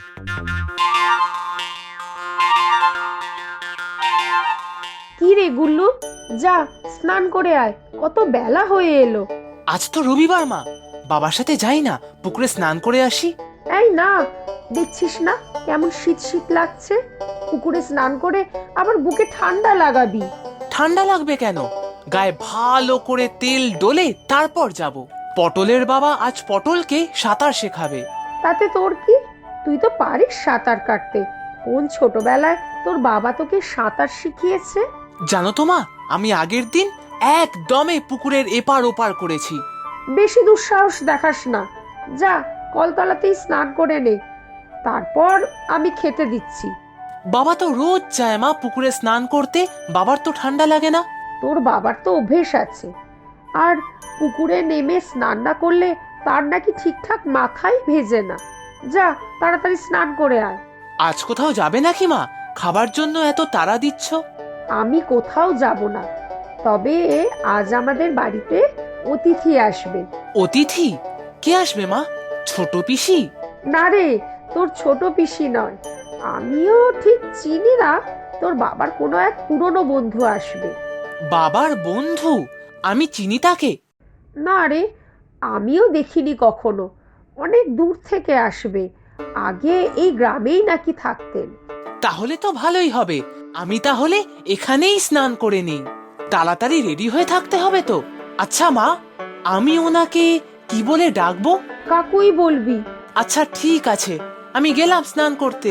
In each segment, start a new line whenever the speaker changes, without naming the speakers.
কি রে গুল্লু, যা স্নান করে আয়, কত বেলা হয়ে এলো।
আজ তো রবিবার মা, বাবার সাথে যাই না, পুকুরে স্নান করে আসি।
এই না, দেখছিস না কেমন শীত শীত লাগছে? পুকুরে স্নান করে আবার বুকে ঠান্ডা লাগাবি।
ঠান্ডা লাগবে কেন? গায়ে ভালো করে তেল ডলে তারপর যাব। পটলের বাবা আজ পটলকে সাঁতার শেখাবে।
তাতে তোর কি? তুই তো পারিস সাঁতার কাটতে। কোন ছোটবেলায় তোর বাবা তোকে সাঁতার শিখিয়েছে?
জানো তো মা, আমি আগের দিন একদমে পুকুরের এপার ওপার করেছি।
বেশি দুঃসাহস দেখাস না, যা কলতলাতেই স্নান করে নে, তারপর আমি খেতে দিচ্ছি।
বাবা তো রোজ যায় মা পুকুরে স্নান করতে, বাবার তো ঠান্ডা লাগে না।
তোর বাবার তো অভ্যেস আছে, আর পুকুরে নেমে স্নান না করলে তার নাকি ঠিকঠাক মাথাই ভেজে না। যা তাড়াতাড়ি স্নান করে আয়।
আজ কোথাও যাবে নাকি মা? খাবার জন্য এত তাড়া দিচ্ছ।
আমি কোথাও যাব না, তবে আজ আমাদের বাড়িতে অতিথি আসবে।
অতিথি? কে আসবে মা? ছোট পিসি?
না রে, তোর ছোট পিসি নয়, আমিও ঠিক চিনি না, তোর বাবার কোনো এক পুরনো বন্ধু আসবে।
বাবার বন্ধু? আমি চিনি তাকে?
না রে, আমিও দেখিনি কখনো, অনেক দূর থেকে আসবে, আগে এই গ্রামেই নাকি থাকতেন।
তাহলে তো ভালোই হবে, আমি তাহলে এখানেই স্নান করে নিই। তাড়াতাড়ি রেডি হয়ে থাকতে হবে তো। আচ্ছা মা, আমি ওনাকে কি বলে ডাকবো?
কাকুই বলবি।
আচ্ছা ঠিক আছে, আমি গেলাম স্নান করতে।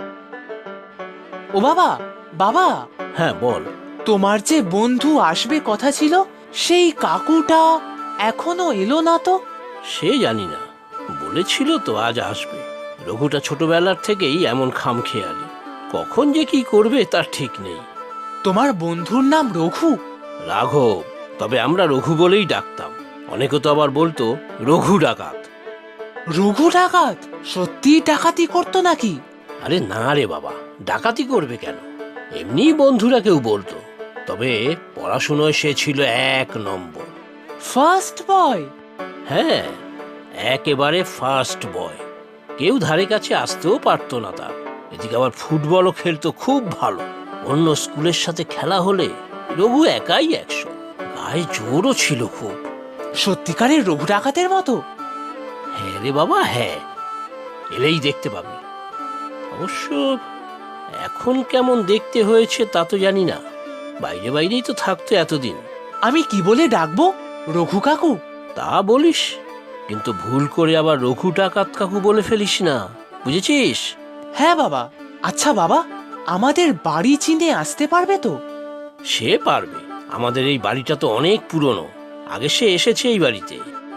ও বাবা, বাবা,
হ্যাঁ বল।
তোমার যে বন্ধু আসবে কথা ছিল, সেই কাকুটা এখনো এলো না তো?
সে জানি না, বলেছিল তো আজ আসবে। রঘুটা ছোটবেলার থেকেই এমন খামখেয়ালি, কখন যে কি করবে তার ঠিক নেই।
তোমার বন্ধুর নাম রঘু?
রাঘব, তবে আমরা রঘু বলেই ডাকতাম। অনেকে তো আবার বলতো রঘু ডাকাত।
রঘু ডাকাত? সত্যি ডাকাতি করতো নাকি?
আরে না রে বাবা, ডাকাতি করবে কেন, এমনি বন্ধুরা কেউ বলতো। তবে পড়াশুনোয় সে ছিল 1 নম্বর।
First boy?
হ্যাঁ, একেবারে ফার্স্ট বয়। কেউ ধারে কাছে আসতেও পারতো না তার। এদিকে আবার ফুটবলও খেলতো খুব ভালো। অন্য স্কুলের সাথে খেলা হলে রঘু একাই 100। গায়ে জোরও ছিল খুব।
সত্যিকারের রঘু ডাকাতের মতো?
হ্যাঁ রে বাবা, হ্যাঁ, এলেই দেখতে পাবি। অবশ্য এখন কেমন দেখতে হয়েছে তা তো জানি না, বাইরে বাইরেই তো থাকতো এতদিন।
আমি কি বলে ডাকবো? রঘু কাকু?
তা বলিস, কিন্তু ভুল করে আবার রঘু ডাকাত কাকু বলে ফেলিস না, বুঝেছিস?
হ্যাঁ বাবা। আচ্ছা বাবা, আমাদের বাড়ি চিনে আসতে পারবে তো?
সে পারবে, আমাদের এই বাড়িটা তো অনেক পুরনো, আগে সে এসেছে এই বাড়িতে।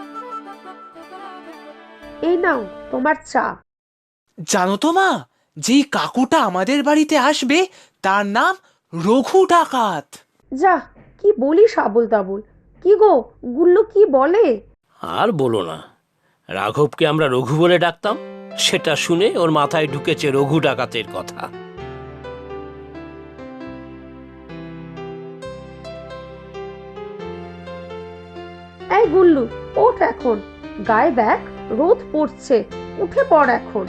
এই নাও তোমার চা।
জানো তো মা, যেই কাকুটা আমাদের বাড়িতে আসবে তার নাম রঘু ডাকাত।
যা, কি বলিস আবোল তাবোল। কি গো, গুল্লু কি বলে?
আর বলো না, রাঘবকে আমরা রঘু বলে ডাকতাম, সেটা শুনে ওর মাথায় ঢুকেছে রঘু ডাকাতের কথা।
এই গুল্লু, ওঠ এখন, গায়ে দেখ রোদ পড়ছে, উঠে পড় এখন।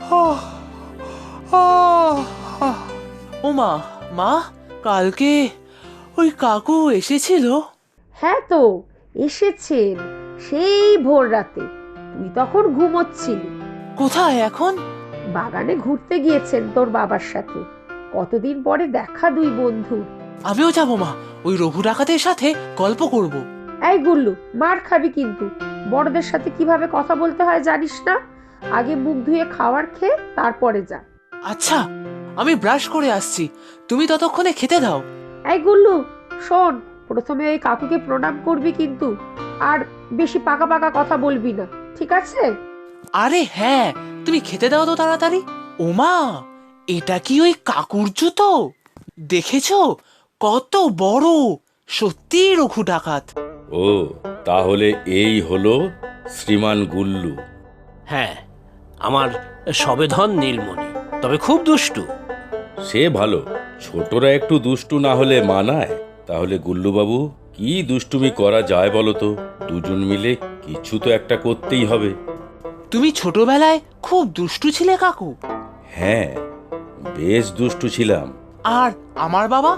ও মা, মা, কালকে ওই কাকু এসেছিল?
হ্যাঁ তো, এসেছেন, সেই ভোর রাতে, তুই তখন ঘুমোচ্ছিলি।
কোথায় এখন?
বাগানে ঘুরতে গিয়েছেন তোর বাবার সাথে। কতদিন পরে দেখা দুই বন্ধু।
আমিও যাবো মা, ওই রঘু ডাকাতের সাথে গল্প করব।
এই গুল্লু, মার খাবি কিন্তু। বড়দের সাথে কিভাবে কথা বলতে হয় জানিস না? আগে মুখ ধুয়ে খাবার খেয়ে তারপরে যা।
আচ্ছা, আমি ব্রাশ করে আসছি, তুমি ততক্ষণে খেতে দাও।
এই গুল্লু, শোন, প্রথমে ওই কাকুকে প্রণাম করবি কিন্তু, আর বেশি পাকা পাকা কথা বলবি না, ঠিক আছে?
আরে হ্যাঁ, তুমি খেতে দাও তো তাড়াতাড়ি। ওমা, এটা কি ওই কাকুর জুতো? দেখেছো কত বড়? সত্যি রঘু ডাকাত।
ও, তাহলে এই হলো শ্রীমান গুল্লু।
হ্যাঁ, আমার সবেধন নীলমণি, তবে খুব দুষ্টু।
সে ভালো, ছোটরা একটু দুষ্টু না হলে মানায়? তাহলে গুল্লুবাবু, কি দুষ্টুমি করা যায় বলো তো? দুজন মিলে কিছু তো একটা করতেই হবে।
তুমি ছোটবেলায় খুব দুষ্টু ছিলে কাকু।
হ্যাঁ, বেশ দুষ্টু ছিলাম।
আর আমার বাবা?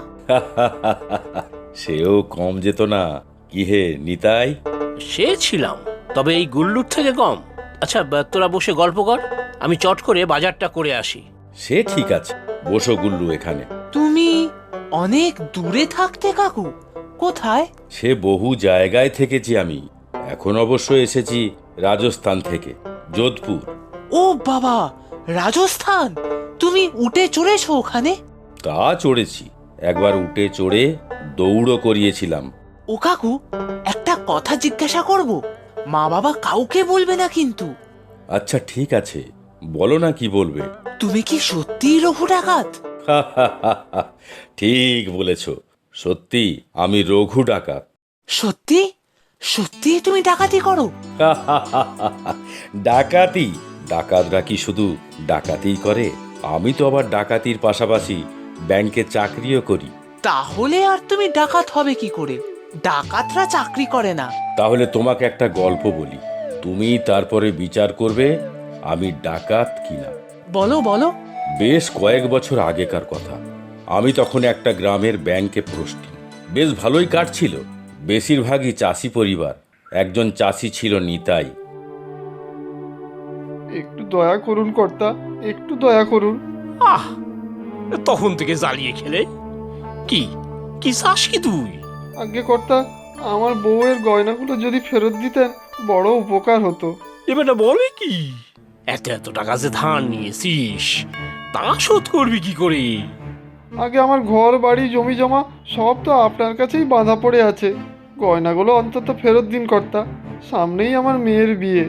সেও কম যেত না। কি হে নিতাই?
সে ছিলাম, তবে এই গুল্লুর থেকে কম। আচ্ছা, তোরা বসে গল্প কর, আমি চট করে বাজারটা করে আসি।
সে ঠিক আছে, বসো গুল্লু এখানে।
তুমি অনেক দূরে থাকতে কাকু? কোথায়?
সে বহু জায়গায় থেকেছি আমি। এখন অবশ্য এসেছি রাজস্থান থেকে, যোধপুর।
ও বাবা, রাজস্থান! তুমি উঠে চড়েছো ওখানে?
তা চড়েছি, একবার উঠে চড়ে দৌড়ও করিয়েছিলাম।
ও কাকু, একটা কথা জিজ্ঞাসা করব? মা বাবা কাউকে বলবে না কিন্তু।
আচ্ছা ঠিক আছে, বলো না কি বলবে।
তুমি কি সত্যিই রঘু ডাকাত?
ঠিক বলেছ, সত্যি আমি রঘু ডাকাত।
সত্যি? সত্যি তুমি ডাকাতি করো?
ডাকাতি? ডাকাতরা কি শুধু ডাকাতিই করে? আমি তো আবার ডাকাতির পাশাপাশি ব্যাংকে চাকরিও করি।
তাহলে আর তুমি ডাকাত হবে কি করে? ডাকাতরা চাকরি করে না।
তাহলে তোমাকে একটা গল্প বলি, তুমি তারপরে বিচার করবে আমি ডাকাত কিনা।
বলো বলো।
বেশ কয়েক বছর আগেকার কথা। আমি তখন একটা গ্রামের ব্যাংকে পোস্টিং। বেশ ভালোই কাটছিল, বেশিরভাগই চাষি পরিবার। একজন চাষি ছিল নিতাই।
একটু দয়া করুন কর্তা, একটু দয়া করুন।
আহ, তখন থেকে জ্বালিয়ে খেলে কি কি চাস কি তুই?
আগে কর্তা, আমার বউয়ের গয়নাগুলো যদি ফেরত দিতেন বড় উপকার হতো।
এবারটা বলে কি, এত এত টাকা যে ধার নিয়েছিস, তা শোধ করবি কি করে?
আগে আমার ঘর বাড়ি জমি জমা সব তো আপনার কাছেই বাঁধা পড়ে আছে। গয়নাগুলো অন্তত ফেরত দিন কর্তা, সামনেই আমার মেয়ের বিয়ে।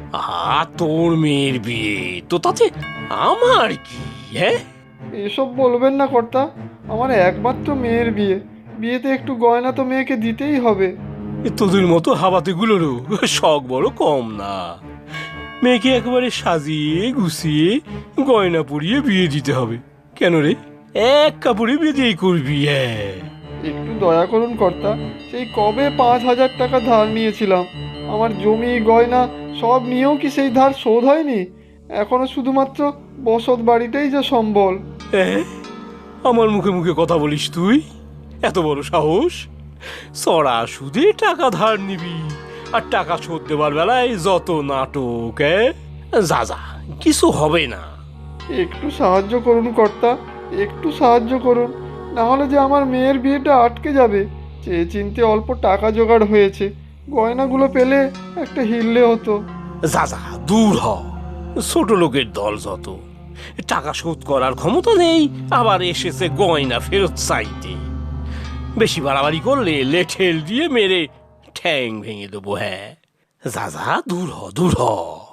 তোর মেয়ের বিয়ে তো তাতে আমার কি? হ্যাঁ,
এসব বলবেন না কর্তা, আমার একমাত্র মেয়ের বিয়ে, বিয়েতে একটু গয়না তো মেয়েকে দিতেই হবে।
তোদের মতো হাবাতেগুলোরও শখ বড় কম না। মেয়েকে একেবারে সাজিয়ে গুছিয়ে গয়না পরিয়ে বিয়ে দিতে হবে। কেন রে, এক কাপড়ে বিয়ে করবি? হ্যাঁ,
একটু দয়া করুন কর্তা, সেই কবে 5,000 টাকা ধার নিয়েছিলাম, আমার জমি গয়না সব নিয়েও কি সেই ধার শোধ হয়নি? এখনো শুধুমাত্র বসত বাড়িটাই যা সম্বল।
হ্যাঁ, আমার মুখে মুখে কথা বলিস তুই? এত বড় সাহস! সরা সুদে টাকা ধার নিবি, আর টাকা শোধ দেবার বেলায় যত নাটক! যা যা, কিছু হবে না।
একটু সাহায্য করুন কর্তা, একটু সাহায্য করুন, না হলে যে আমার মেয়ের বিয়েটা আটকে যাবে। চেয়ে চিনতে অল্প টাকা জোগাড় হয়েছে, গয়নাগুলো পেলে একটা হিললে হতো।
যা যা, দূর হ। ছোট লোকের দল যত, টাকা শোধ করার ক্ষমতা নেই, আবার এসেছে গয়না ফেরত চাইতে। বেশি বাড়াবাড়ি করলে লেঠেল দিয়ে মেরে ঠ্যাং ভেঙে দেবো। হ্যাঁ, যা যা, দূর হ, দূর হ।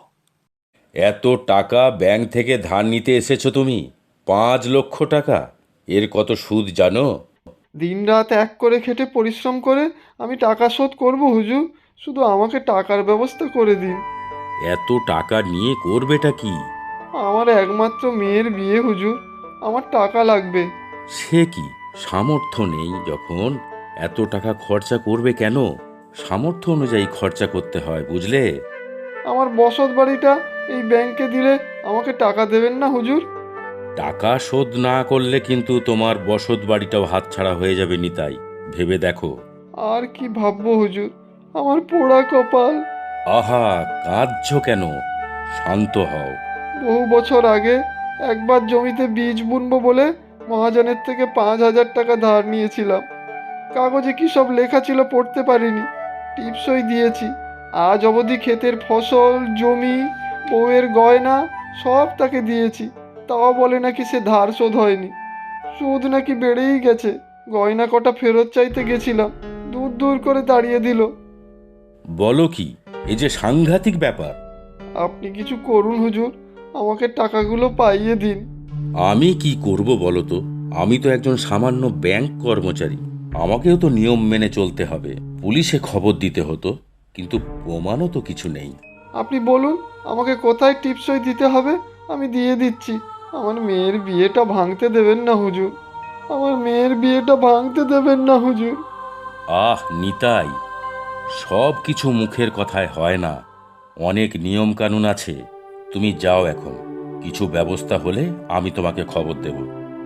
এত টাকা ব্যাংক থেকে ধার নিতে এসেছো তুমি? 5 লক্ষ টাকা! এর কত সুদ জানো?
দিনরাত এক করে খেটে পরিশ্রম করে আমি টাকা শোধ করব হুজুর, শুধু আমাকে টাকার ব্যবস্থা করে দিন।
এত টাকা নিয়ে করবেটা কি?
আমার একমাত্র মেয়ের বিয়ে হুজুর, আমার টাকা লাগবে।
সে কি, সামর্থ্য নেই যখন এত টাকা খরচা করবে কেন? সামর্থ্য অনুযায়ী খরচা করতে হয়, বুঝলে?
আমার বসত বাড়িটা এই ব্যাংকে দিলে আমাকে টাকা দেবেন না হুজুর?
টাকা শোধ না করলে কিন্তু তোমার বসত বাড়িটাও হাতছাড়া হয়ে যাবে নিতাই, ভেবে দেখো।
আর কি ভাববো হুজুর, আমার পোড়া কপাল।
আহা, কাঁদছো কেন? শান্ত হও।
বহু বছর আগে একবার জমিতে বীজ বুনবো বলে মহাজনের থেকে 5,000 টাকা ধার নিয়েছিলাম। কাগজে কি সব লেখা ছিল পড়তে পারিনি, টিপসই দিয়েছি। আজ অবধি ক্ষেতের ফসল, জমি, বউয়ের গয়না সব তাকে দিয়েছি, তাও বলে নাকি সে ধার শোধ হয়নি। সুদ নাকি বেড়েই গেছে। গয়না কটা ফেরত চাইতে গেছিলাম, দূর দূর করে তাড়িয়ে দিল।
বলো কি, এই যে সাংঘাতিক ব্যাপার!
আপনি কিছু করুন হুজুর, আমাকে টাকাগুলো পাইয়ে দিন।
আমি কি করব বলো তো? আমি তো একজন সামান্য ব্যাংক কর্মচারী, আমাকেও তো নিয়ম মেনে চলতে হবে। পুলিশে খবর দিতে হতো, কিন্তু প্রমাণও তো কিছু নেই।
আপনি বলুন আমাকে কোথায় টিপসই দিতে হবে, আমি দিয়ে দিচ্ছি। আমার মেয়ের বিয়েটা ভাঙতে দেবেন না হুজুর, আমার মেয়ের বিয়েটা ভাঙতে দেবেন না হুজুর।
আহ নিতাই, সব কিছু মুখের কথায় হয় না, অনেক নিয়ম কানুন আছে। তুমি যাও এখন, কিছু ব্যবস্থা হলে আমি তোমাকে খবর দেব।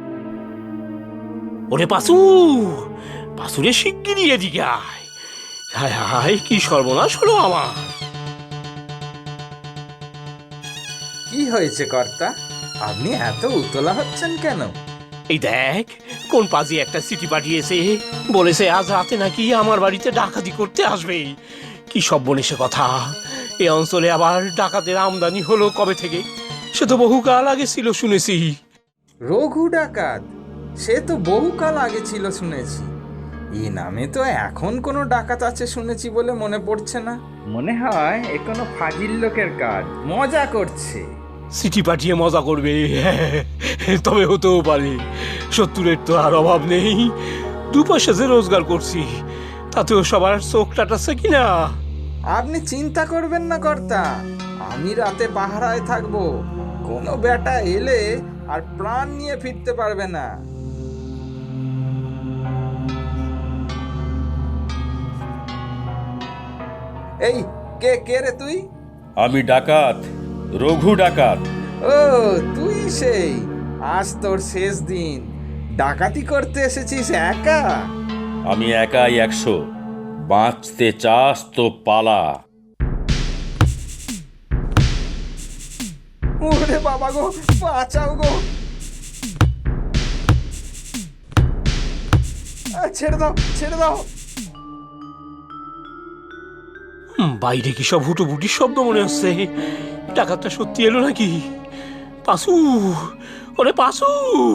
ওরে পাসু, পাসুরে শিগগিরই এদিকে আয়। হায় হায়, কি সর্বনাশ হলো আমার।
কি হয়েছে কর্তা? আপনি এত উতলা হচ্ছেন কেন?
এই দেখ, কোন পাজি একটা চিঠি পাঠিয়েছে, বলেছে আজ রাতে নাকি আমার বাড়িতে ডাকাতি করতে আসবে। কি সর্বনেশে কথা! এ অঞ্চলে আবার ডাকাতের আমদানি হলো কবে থেকে? সে তো বহুকাল আগে ছিল শুনেছি।
রঘু ডাকাত? সে তো বহুকাল আগে ছিল শুনেছি। এই নামে তো এখন কোনো ডাকাত আছে শুনেছি বলে মনে পড়ছে না। মনে হয় এ কোনো ফাজিল লোকের কাজ, মজা করছে।
চিঠি পাঠিয়ে মজা করবে? তবে হতেও পারে। শত্রুরের তো আর অভাব নেই। 2 পয়সা যে রোজগার করছি, তাতেও সবার চোখ টাটাচ্ছে কিনা।
আপনি চিন্তা করবেন না কর্তা, আমি রাতে পাহারায় থাকবো। কোনো বেটা এলে আর প্রাণ নিয়ে ফিরতে পারবে না। এই, কে কে রে তুই?
আমি ডাকাত, রঘু ডাকাত।
ও, তুই সেই। আজ তোর শেষ দিন। ডাকাতি করতে এসেছিস একা?
আমি একাই 100। বাঁচতে চাস তো পালা।
ওরে বাবা গো, বাঁচাও গো! ছেড়ে দাও, ছেড়ে দাও।
বাইরে কি সব হুটোপুটির শব্দ মনে হচ্ছে? ডাকাতটা সত্যি এলো নাকি? পাসু, ওরে পাসু!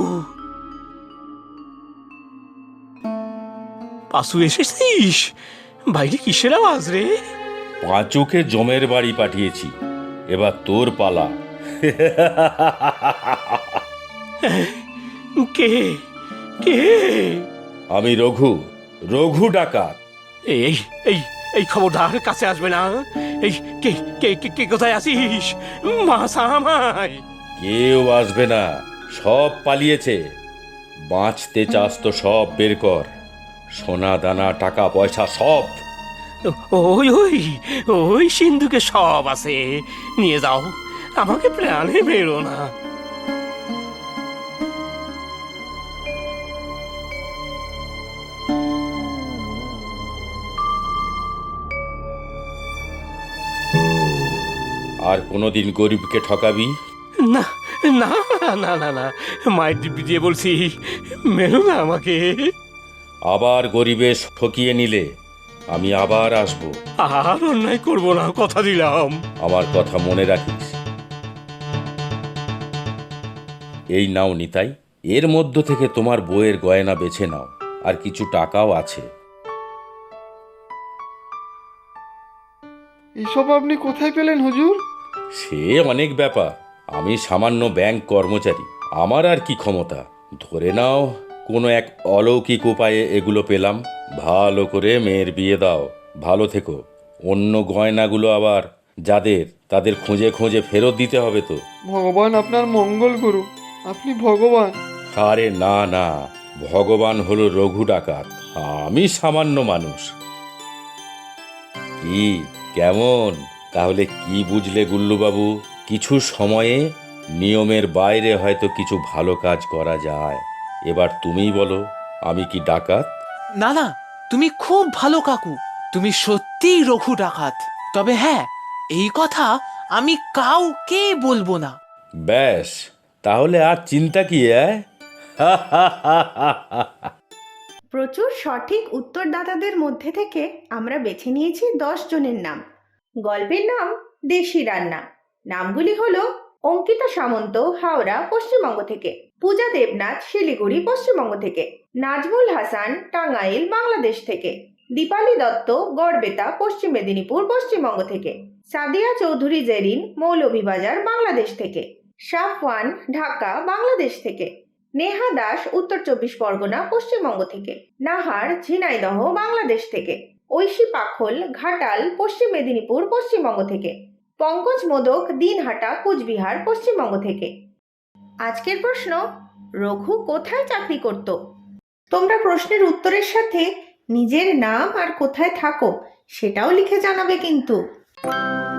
পাসু, এসেছিস? বাইরে কিসের আওয়াজ রে?
পাঁচুকে জমের বাড়ি পাঠিয়েছি, এবার তোর পালা।
কে কে?
আমি রঘু, রঘু ডাকাত।
এই এই এই খবরদার কাছে আসবে না। এই কে কে কে কে কোথায় আছিস? মাসা আমায়।
কেউ আসবে না, সব পালিয়েছে। বাঁচতে চাস তো সব বের কর, সোনা দানা টাকা পয়সা সব।
ওই ওই ওই সিন্ধুকে সব আছে, নিয়ে যাও। আমাকে প্রাণে মেরো না।
আর কোনোদিন গরিবকে ঠকাবি?
না না না না না, মায়ের দিব্যি দিয়ে বলছি, মেরো না আমাকে।
আবার গরিবে ঠকিয়ে নিলে আমি আবার আসব।
আর অন্যায় করবো না, কথা দিলাম।
আমার কথা মনে রাখিস। এই নাও নিতাই, এর মধ্য থেকে তোমার বইয়ের গয়না বেছে নাও, আর কিছু টাকাও আছে।
এসব আপনি কোথায় পেলেন হুজুর?
সে অনেক ব্যাপার। আমি সামান্য ব্যাংক কর্মচারী, আমার আর কি ক্ষমতা। ধরে নাও কোনো এক অলৌকিক উপায়ে এগুলো পেলাম। ভালো করে মেয়ের বিয়ে দাও, ভালো থেকো। অন্য গয়নাগুলো আবার যাদের, তাদের খুঁজে খুঁজে ফেরত দিতে হবে তো।
ভগবান আপনার মঙ্গল করুক, আপনি ভগবান।
আরে না না, ভগবান হলো রঘু ডাকাত, আমি সামান্য মানুষ। কি, কেমন তাহলে কি বুঝলে গুল্লুবাবু? কিছু সময়ে নিয়মের বাইরে হয়তো কিছু ভালো কাজ করা যায়। এবার তুমিই বলো, আমি কি ডাকাত?
না না, তুমি খুব ভালো কাকু, তুমি সত্যিই রঘু ডাকাত। তবে হ্যাঁ, এই কথা আমি কাউকে বলবো না।
ব্যাস, তাহলে আর চিন্তা কি?
প্রচুর সঠিক উত্তরদাতাদের মধ্যে থেকে আমরা বেছে নিয়েছি 10 জনের নাম। গল্পের নাম দেশি রান্না। নামগুলি হলো অঙ্কিতা সামন্ত, হাওড়া, পশ্চিমবঙ্গ থেকে; পূজা দেবনাথ, শিলিগুড়ি, পশ্চিমবঙ্গ থেকে; নাজমুল হাসান, টাঙ্গাইল, বাংলাদেশ থেকে; দীপালি দত্ত, গড়বেতা, পশ্চিম মেদিনীপুর, পশ্চিমবঙ্গ থেকে; সাদিয়া চৌধুরী জেরিন, মৌলভীবাজার, বাংলাদেশ থেকে; শাফওয়ান, ঢাকা, বাংলাদেশ থেকে; নেহা দাস, উত্তর 24 পরগনা, পশ্চিমবঙ্গ থেকে; নাহার, ঝিনাইদহ, বাংলাদেশ থেকে; ঐশী পাখল, ঘাটাল, পশ্চিম মেদিনীপুর, পশ্চিমবঙ্গ থেকে; পঙ্কজ মোদক, দিনহাটা, কুচবিহার, পশ্চিমবঙ্গ থেকে। আজকের প্রশ্ন: রঘু কোথায় চাকরি করত? তোমরা প্রশ্নের উত্তরের সাথে নিজের নাম আর কোথায় থাকো সেটাও লিখে জানাবে কিন্তু।